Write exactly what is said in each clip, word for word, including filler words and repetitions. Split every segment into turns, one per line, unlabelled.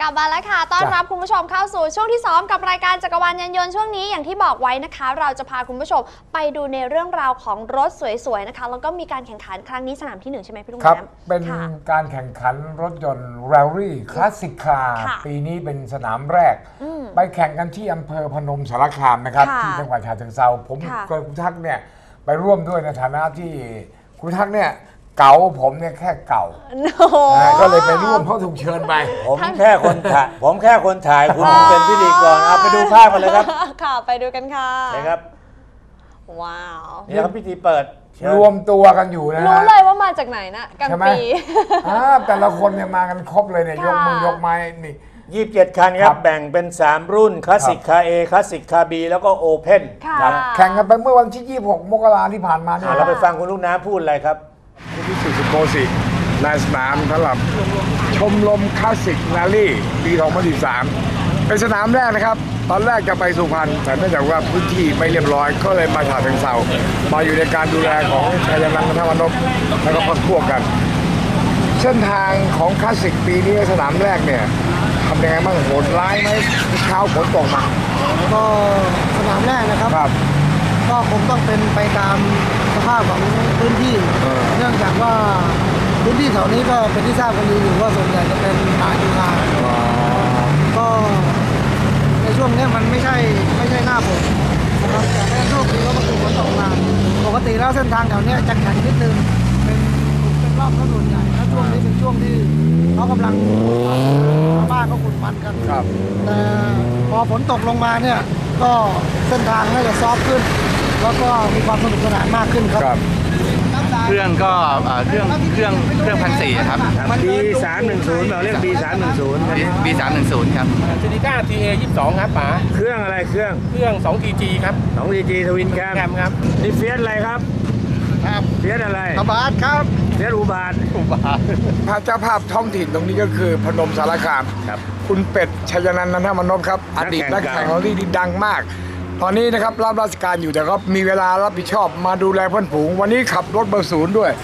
กลับมาแล้วค่ะต้อนรับคุณผู้ชมเข้าสู่ช่วงที่สองกับรายการจักรวาลยานยนต์ช่วงนี้อย่างที่บอกไว้นะคะเราจะพาคุณผู้ชมไปดูในเรื่องราวของรถสวยๆนะคะแล้วก็มีการแข่งขันครั้งนี้สนามที่หนึ่งใช่ไหมพี่ลุง
ครับ
น้ำ
เป็นการแข่งขันรถยนต์แรลลี่คลาสสิกคาร์ปีนี้เป็นสนามแรกไปแข่งกันที่อำเภอพนมสารคามนะครับที่จังหวัดฉะเชิงเทราผมกับคุณทักเนี่ยไปร่วมด้วยในฐานะที่คุณทักเนี่ยเก่าผมเนี่ยแค่เก่าก็เลยไปร่วมเพราะถูกเชิญไป
ผมแค่คนถ่ายผมแค่คนถ่ายคุณเป็นพิธีกรเอาไปดูภาพกันเลยครับ
ค่ะไปดูกันค่ะ
ใช่ครับ
ว้าว
นี่ครับพิธีเปิด
รวมตัวกันอยู่นะ
รู้เลยว่ามาจากไหนนะกันปี
แต่ละคนเนี่ยมากันครบเลยเนี่ยยกมือยกไม้นี่
ยี่สิบเจ็ดคันครับแบ่งเป็นสามรุ่นคลาสสิกคาร์ A คลาสสิกคาร์ B แล้วก็โอเพ่น
แข่งกันไปเมื่อวันที่ยี่สิบหกมกราที่ผ่านมาเนี่ย
เราไปฟังคุณลูกน้ำพูดอะไรครับ
ที่สุสุโกสิในสนามสำหรับชมรมคลาสสิกแรลลี่ปีสองพันสิบสามเป็นสนามแรกนะครับตอนแรกจะไปสุพรรณแต่เนื่องจากว่าพื้นที่ไม่เรียบร้อยก็เลยมาฉะเชิงเทรามาอยู่ในการดูแลของชัยนันท์ ธรรมนพแล้วก็พักพวกกันเส้นทางของคลาสสิกปีนี้สนามแรกเนี่ยทำยังไงบ้างโหดร้ายไหมเช้าฝนตกมา
ก็สนามแรกนะครับก็คงต้องเป็นไปตามสภาพของพื้นที่เนื่องจากว่าพื้นที่แถวนี้ก็เป็นที่ทราบกันดีอยู่ว่าส่วนใหญ่จะเป็นนาจุฬาก็ในช่วงนี้มันไม่ใช่ไม่ใช่หน้าฝนนะครับแต่ในช่วงนี้ก็มันคือฝนตกมาปกติแล้วเส้นทางแถวนี้จะแข็งนิดนึงเป็นเป็นรอบถนนใหญ่และช่วงนี้เป็นช่วงที่เขากำลังชาวบ้านเขาขุดมันกันแต่พอฝนตกลงมาเนี่ยก็เส้นทางน่าจะซอฟขึ้นแล้วก็มีความสนุกสนานมากขึ้นครับ
เครื่องก็เครื่องเครื่องเครื่องพันสี่ครับ
บี สามหนึ่งศูนย์เราเรียก บี สามหนึ่งศูนย์
บี สามหนึ่งศูนย์ครับ
ซินิก้า ที เอ ยี่สิบสองครับป๋า
เครื่องอะไรเครื่อง
เครื่อง สอง ที จี ครับ
สอง ที จี ทวินแคม
ครับ
นี่เฟียสอะไรครับ
ครับ
เฟียสอะไร
อุบาทครับ
เฟียสอุบาท
อุบาท
พระเจ้าภาพท้องถิ่นตรงนี้ก็คือพนมสารคาม
ครับ
คุณเป็ดชัยนันท์ ธรรมนพครับอดีตนักแข่งแรลลี่ที่ดังมากตอนนี้นะครับรับราชการอยู่แต่ก็มีเวลารับผิดชอบมาดูแลเพื่อนฝูงวันนี้ขับรถเบอร์ศูนย์ด้วย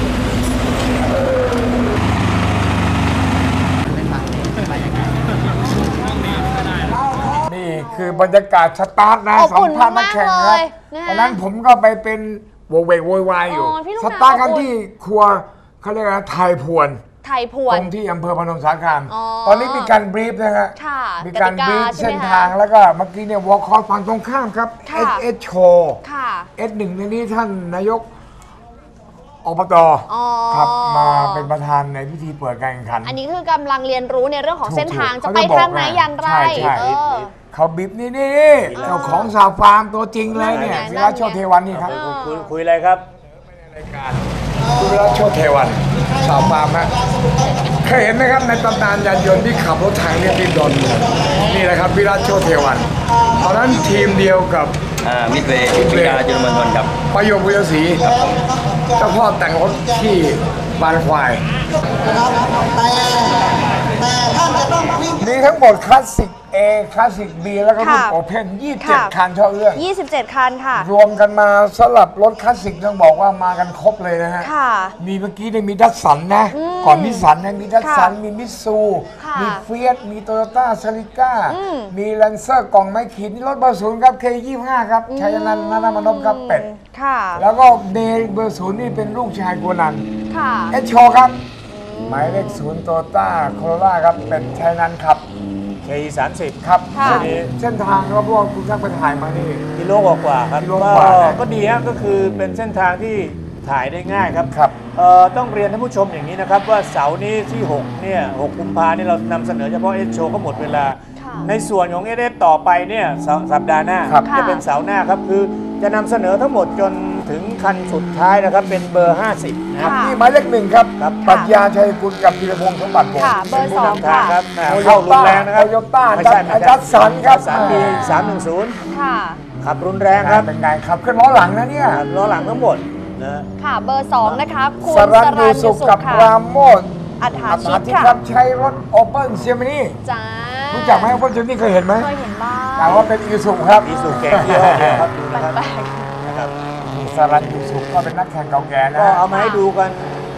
นี่คือบรรยากาศสตาร์ทนะสองพันนักแข่งครับตอนนั้นผมก็ไปเป็นโวเวกโวยวายอยู่สตาร์ทกันที่ครัวเขาเรียกว่าไทยพวน
ไทยพวน
ตรงที่อำเภอพนมสารคามตอนนี้มีการบรีฟนะฮะมีการบรีฟเส้นทางแล้วก็เมื่อกี้เนี่ยวอล์คอร์ฝั่งตรงข้ามครับ เอส เอส โชว์ เอส หนึ่งในนี้ท่านนายกอบต.ครับมาเป็นประธานในพิธีเปิดการแข่งขัน
อันนี้คือกำลังเรียนรู้ในเรื่องของเส้นทางจะไปทางไหนอย่างไร
เขาบีบนี่นี่เจ้าของสาวฟาร์มตัวจริงเลยเนี่ยวิรัชโชติเทวันนี่ครับ
คุยอะไรครับ
คุณวิรัชโชติเทวันสาวฟาร์มฮะเคยเห็นไหมครับในตำนานยานยนต์ที่ขับรถถังเนี่ยที่ดอนนี่แหละครับวิรัชโชติเทวันตอนนั้นทีมเดียวกับ
มิดเวย์วิทยาจุลมณฑลครับ
ประโยควิทยาศรีเจ้าพ่อแต่งรถที่บานควายมีทั้งหมดคลาสสิก A คลาสสิก B แล้วก็รุ่นโอเพ่นยี่สิบเจ็ดคันเท่าเรื่อง
ยี่สิบเจ็ดคันค่ะ
รวมกันมาสำหรับรถคลาสสิกต้องบอกว่ามากันครบเลยนะฮะมีเมื่อกี้เนี่ยมีดัสสันนะก่อนนิสสันนะมีดัสสันมีมิตซูมีเฟียสมีโตโยต้าซาริก้ามีแลนเซอร์กล่องไม้ขีดนี่รถเบอร์ศูนย์ครับ เค ยี่สิบห้า ครับชัยนันท์ ธรรมนพครับเป็ดแล้วก็เดย์เบอร์ศูนย์นี่เป็นลูกชายกัวนันเอชโชครับหมายเลขศูนย์โตโยต้าโคโรล่าครับเป็นชัยนันท์ครับ
เค สามสิบ
ครับเส้นทางครับพวกคุณช่างไปถ่ายมานี่
กิโลกว่าครับก็ดีฮะก็คือเป็นเส้นทางที่ถ่ายได้ง่ายครับ
ครับ
ต้องเรียนท่านผู้ชมอย่างนี้นะครับว่าเสาร์นี้ที่หกเนี่ยหกกุมภาพันธ์นี่เรานำเสนอเฉพาะเอสโชก็หมดเวลาในส่วนของเอสต่อไปเนี่ยสัปดาห์หน้าจะเป็นเสาร์หน้าครับคือจะนำเสนอทั้งหมดจนถึงคันสุดท้ายนะครับเป็นเบอร์ห้าสิบนะครับ
นี่หมายเลขหนึ่งครับปรัชญาชัยกุลกับธีรพงษ์สมบัติวงศ์
เบอร์สองค่ะ
เข้ารุนแรงนะครับ
โตโยต้าดัสสันครับ
สามปีสามหนึ่งศูนย์ขับรุนแรงครับ
เป็นไงขับขึ้นล้อหลังนะเนี่ย
ล้อหลังทั้งหมดนะ
ค่ะเบอร์สองนะคะ
คุณสรัญยูสุขกับปราโมท
อัฏฐาชิต
ครับใช้รถโอเปิ้ลเซียมินี่
จ้า
รู้จักไหมโอเปิ้ลเซียมินี่เคยเห็นไหม
เคยเห็นบ้าง
แต่ว่าเป็นอีสุครับ
อีสุแก่เยอะครับดูนะครับ
สรัญยูสุขก็เป็นนักแข่งเก่าแก่นะ
ก็เอามาให้ดูกัน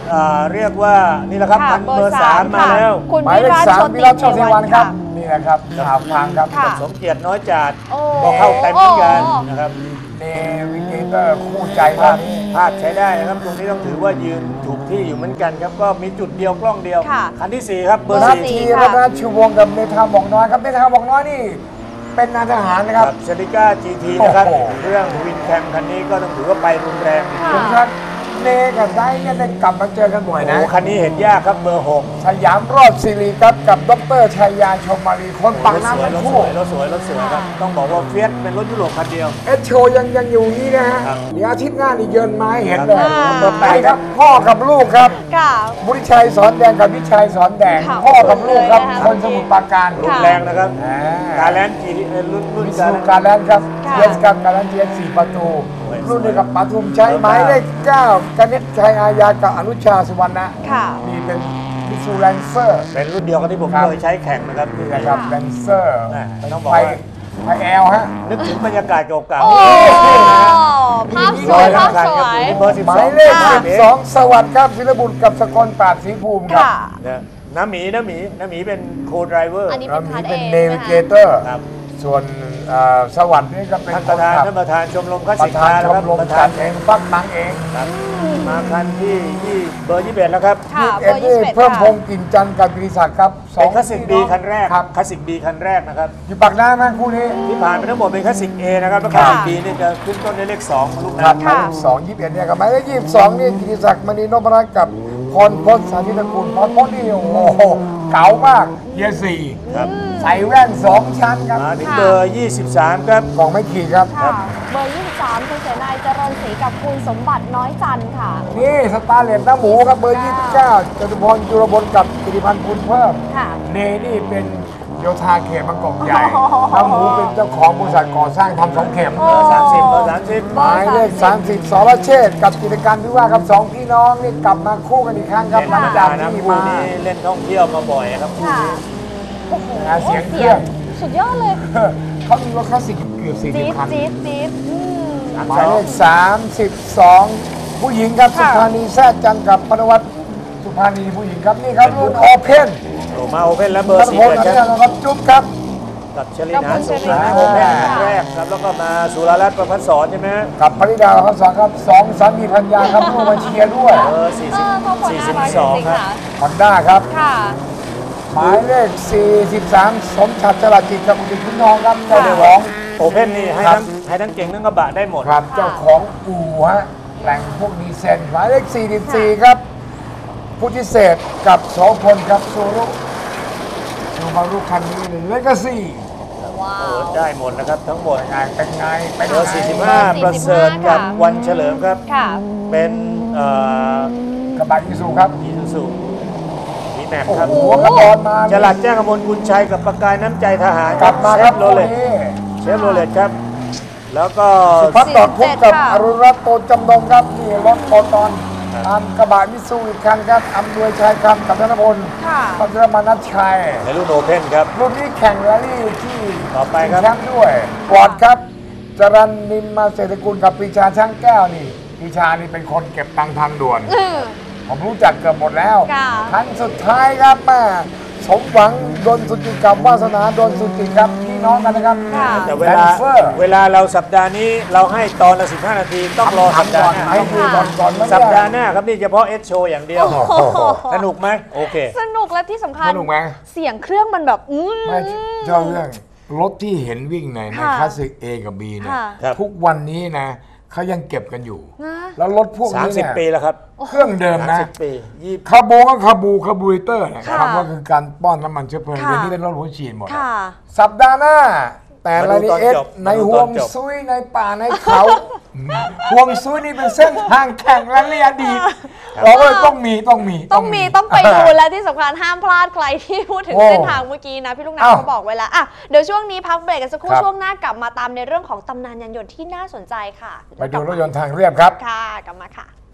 อ่าเรียกว่านี่แหละครับ
ค่ะ
พันเบอร์
เบอร์
สาม
สาม
มา
ค่ะ
แล้ว
คุณ
หมาย
วิ
เลข
รัต
สาม
โช
วิ
ติ
รัต
เท
โชติ
วั
วัน นค
ค่ะ
รับนี่แหละครับข่าวพังครับ
ค่ะ
สมเกียรติน้อยจัด
โอ้
ก็เข้าเต็มเหมือนกัน
โอ้
นะครับ
เนวิเกเตอร์คู่ใจ
พลาม
าก
ดพลาดใช้ได้นะครับตรงนี้ต้องถือว่ายืนถูกที่อยู่เหมือนกันครับก็มีจุดเดียวกล้องเดียว
ค่ะ
คันที่สี่ครับเบอร์
นา
สี่
ที
ค่ะ
รัตนชูวงศ์กับเมธาบอกน้อยครับเมธาบอกน้อยนี่เป็นนายทหารนะครับ
กับเซริก้า จี ที นะครับ
โอ้โห
เครื่องวินแคมคันนี้ก็ต้องถือว่าไปรุนแรง
ค่ะ
คุณครับเนกับไดเนี่ยได้กลับมาเจอกันบ่อย
โอ้
นะ
โหคันนี้เห็นยากครับเบอร์หก
สยามรอดซีรีครับกับดรชัยยาชมมารีคนปัก
รถส
น้ำ
วย
ทั้ง
รถส
คู่
วยรถสวยรถสวยครับต้องบอกว่าเฟียสเป็นรถยุโรปคันเดียว
เอสโชยังยังอยู่นี่นะฮะ
ครับ
เดี๋ยวอาทิตย์หน้านี่เยินมาให้เห็นเลย
ครับ
เบอร์แปดครับพ่อกับลูกครับ
ค่ะ
บุริชัยสอนแดงกับวิชัยสอนแดง
ค่ะ
พ่อกับลูกครับ
เลยนะคะ
คนสมุทรปราการ
รุนแรงนะครับ
อ่า
การแลนด์จีรุ่นรุ่น
มิ
การ
สู
แลนด์
การแลนด์ครับ
ค่ะ
เยสกับการแลนด์เยสสี่ประตู
สวย
รุ่นเดียวกับปทุมชัยหมายเลขเก้ากนิษฐ์ชัยอาญากับอนุชาสุวรรณะ
ค่ะ
นี่เป็นมิสูแลนเซอร์
เป็นรุ่นเดียวกันที่ผม
ครับ
เคยใช้แข่งนะครับ
นี่นะครับแลนเซอร์
อ่าต้องบอก
ไฟ
ว่า
ไฟแอลฮะ
นึกถึงบรรยากาศเก่า
โอ้
ๆ
ภาพสวยภาพสวย
เบอร์สิบ
หมา
สอย ง
เลข
ค่ะ
สิบสองสวัสดิ์ครับศิลบุตรกับสกลปราดศรีภูมิครับ
ค่ะ
นะน้ำหมีน้ำหมีน้ำหมีเป็นโคไดรเวอร์
อันนี้
เรา
เป็น
มี
คันเอ
เป็น
ง
เนวิเก
นะคะ
เตอร์
ครับ
ส่วนเอ่อสวัสดิ์นี่ก็เป็น
ท่าน
ค
ประ
น
ธาน
ขับ
ท่านประธานชมรมคลาส
ป
สิก
ระธาน
คาร์
ช
นะค
ม
รับ
รม
ประ
จั
ธา
ด
น
เองฟักตังเอง
ครับมาคันที่ยี่เบอร์ยี่สิบเอ็ดแล้วครับ
ค่ะ
เอ็
เบ
ด
อร์ยี่
นี่
สิบเอ็ด
เพิ่มพ
ค่ะ
งศ์กลิ่นจันทร์กับกิติศักดิ์ครับสอ
เป็
ง
นคลาสสิกบีคันแรก
ครับ
คลาสสิกบีคันแรกนะครับ
อยู่ปากหน้าไหมคู่นี้
ที่ผ่านไปทั้งหมดเป็นคลาสสิก A นะครับแล้วค
ครั
ลา
บ
สสิก B นี่จะขึ้นต้นด้วยเลขสองลูก
ครับ
น้ำ
หมายเลขสองยี่สิบเอ็ดเนี่ยกับหมายเลขยี่สิบสองนี่กิติศักดิ์มณีนพรัตน์กับพรพจน์สาธิตกุลพรพจน์นี่โอ้โหเก๋ามากเยียร์สี่
ครับ
ใส่แว่นสองชั้นครับ
มาถึงเบอร์ยี่สิบสามครับ
กล่องไม่ขีดครับ
ค่ะ เบอร์ยี่สิบสามคุณเสนายเจริญศรีกับคุณสมบัติน้อยจันทร์ค่ะ
นี่สตาร์เลนน้ำหมูครับเบอร์ยี่สิบเก้าจตุพรจุรบลกับกิติพันธ์คุณเพิ่ม
ค่ะ
เนนี่เป็นโยธาเขตบางกอกใหญ่น้ำหมูเป็นเจ้าของบริษัทก่อสร้างทำสองเข็ม
โอ้
เบอร์สามสิบเบอร์สามสิบ
หมายเลขสามสิบสรเชษฐ์กับกิจการที่ว่าครับสองพี่น้องนี่กลับมาคู่กันอีกครั้งครับ
เป็น
หลัง
ธรรม
จา
ดาก นะ
ที่
คู่
มา
นี้เล่นท่องเที่ยวมาบ่อยครับคู่
ค่ะ
นี้
โอ้โห
หาเสียงเครื่อง
สุดยอดเลย
เขามีรถคลาสสิกเกือบสี่สิ
จี๊
บ
ด
คัน
จี๊ดจี๊ดอืม
หมายเลขสามสิบสองผู้หญิงครับสุ
ค่ะ
ภานีแซ่จันกับพนวัตสุภานีผู้หญิงครับนี่ครับรุ่นโอเพน
โอ้มาโอเพ่นแล้วเบอ
รั
ร์
ต
สี่
พล
เลย
อัน
ค
นี้
รับ
นะครับจุ๊บครับ
กับชลินาสุขนะโอเพ่นครั้งแรกครับแล้วก็มาสุรรัตน์ประพัฒสอนใช่ไหมฮะ
กับภริดาครับสองครับสองสามีพัญญาครับลูกมาเชียร์ด้วย
เบอร์สี่
เอ
สิบ
อเขาคน
สี่
น่า
สิบ
รักจ
สอง
ริง
ค
ๆ
รับ
ค่ะ
ฮอนด้าครับ
ค่ะ
หมายเลขสี่สิบสามสมชัดจรัสจิตกับอุดิตคุณทองครับเจ้าของ
โอเพ่นนี่ให้
ครับ
ทั้งให้ทั้งเก่งทั้งกระบะได้หมด
ครับเจ้าของอู่ฮะแหล่งพวกดีเซนหมายเลขสี่สิบสี่ครับพุทธิเศษกับโสพลครับซูรุซูมารุคันนี้เลยเลกาซี่
ว้า
โอ้
ว
ได้หมดนะครับทั้งหมด
งานเป็นไงเป็น
เบอร์
ไง
สี่สิบห้าประเสริฐกับวันเฉลิมครับ
ค่ะ
เป็นเอ่อก
ระบะอีซูครับ
อีซูซูมีแม็ก
โอ้
ครับ
โหหัวกระบอกมา
จลัดแจ้งกมลกุลชัยกับประกายน้ำใจทหาร
กลับมาครับ
เชฟโร
คู่
เลต
นี้
เชฟโรเลตครับ แล้วก็
พัดต่อคุกกับ
ค่ะ
อรุณรัตน์โตจำนงครับนี่รถโตตอนตามกระบะมิซูอีกคันครับอำนวยชัยคำกับธนพล
ค่ะ
พัชรมานัชชัย
ในรุ่นโอเพ่นครับ
รุ่นนี้แข่งแรลลี่ที่
ต่อไปครับ
แชมป์ด้วยฟอร์ดครับจรันนิมมาเศรษฐกุลกับปรีชาช่างแก้วนี่ปรีชานี่เป็นคนเก็บตังค์ทางด่วน
อืม
ผมรู้จักเกือบหมดแล้ว
ค่ะ
ครั้งสุดท้ายครับแม่สมหวังดนสุจิตกับวาสนาดนสุจิตครับพี่น้องกันนะครับ
ค่ะ
แต่เว
แด
ลาน
เซอร์
เวลาเราสัปดาห์นี้เราให้ตอนละสิบห้านาทีต้องรอสัป
ทำ
ดา
ก่อ
ห์
น
หน้า
ให้ดูก่อนก่อนไม่
สัป
ได้
ดาห์หน้าครับนี่เฉพาะเอสโชอย่างเดียว
โอ้โห
สนุกไหมโอเค
สนุกและที่สำคัญ
สนุกไหม
เสียงเครื่องมันแบบอืม
ไม่เจ้าเรื่องรถที่เห็นวิ่งในใน
ค่ะ
คลาสสิก A กับ B เนี่ย
ค่ะ
ครับ
ทุกวันนี้นะเขายังเก็บกันอยู่
นะ
แล้วรถพวก
สาม
นี้
สิบ
เนี่ย
ปีแล้วครับ
เครื่องเดิม
สาม
นะ
สิบปียี่สิบ
คาร์บูก็คาร์บูคาร์บูเรเตอร์นะ
ค่ะ
คำว่าคือการป้อนน้ำมันเชื้อเพลิง
ค่ะ
เดี๋ยวนี้เป็นรถหัวฉีดหมด
ค่ะ
สัปดาห์หน้า แต่
มาดู
รายละเอียด
ตอนจบ
ใน
มาดู
ห่ว
ตอง นจบ
ซุยในป่าในเขาห่วงซุยนี่เป็นเส้นทางแข่งและเรียดีตเราก็เลยต้องมีต้องมี
ต้องมีต้องไปดูและที่สำคัญห้ามพลาดใครที่พูดถึง
โอ้
เส้นทางเมื่อกี้นะ พี่ลูกน้ำ
อ้าว
เขาบอกไว้แล้วอ่ะเดี๋ยวช่วงนี้พักเบรกกันสักครู่
ครับ
ช่วงหน้ากลับมาตามในเรื่องของตำนานยานยนต์ที่น่าสนใจค่ะ
ไปดูรถยนต์ทางเรียบครับ
ค่ะกลับมาค่ะ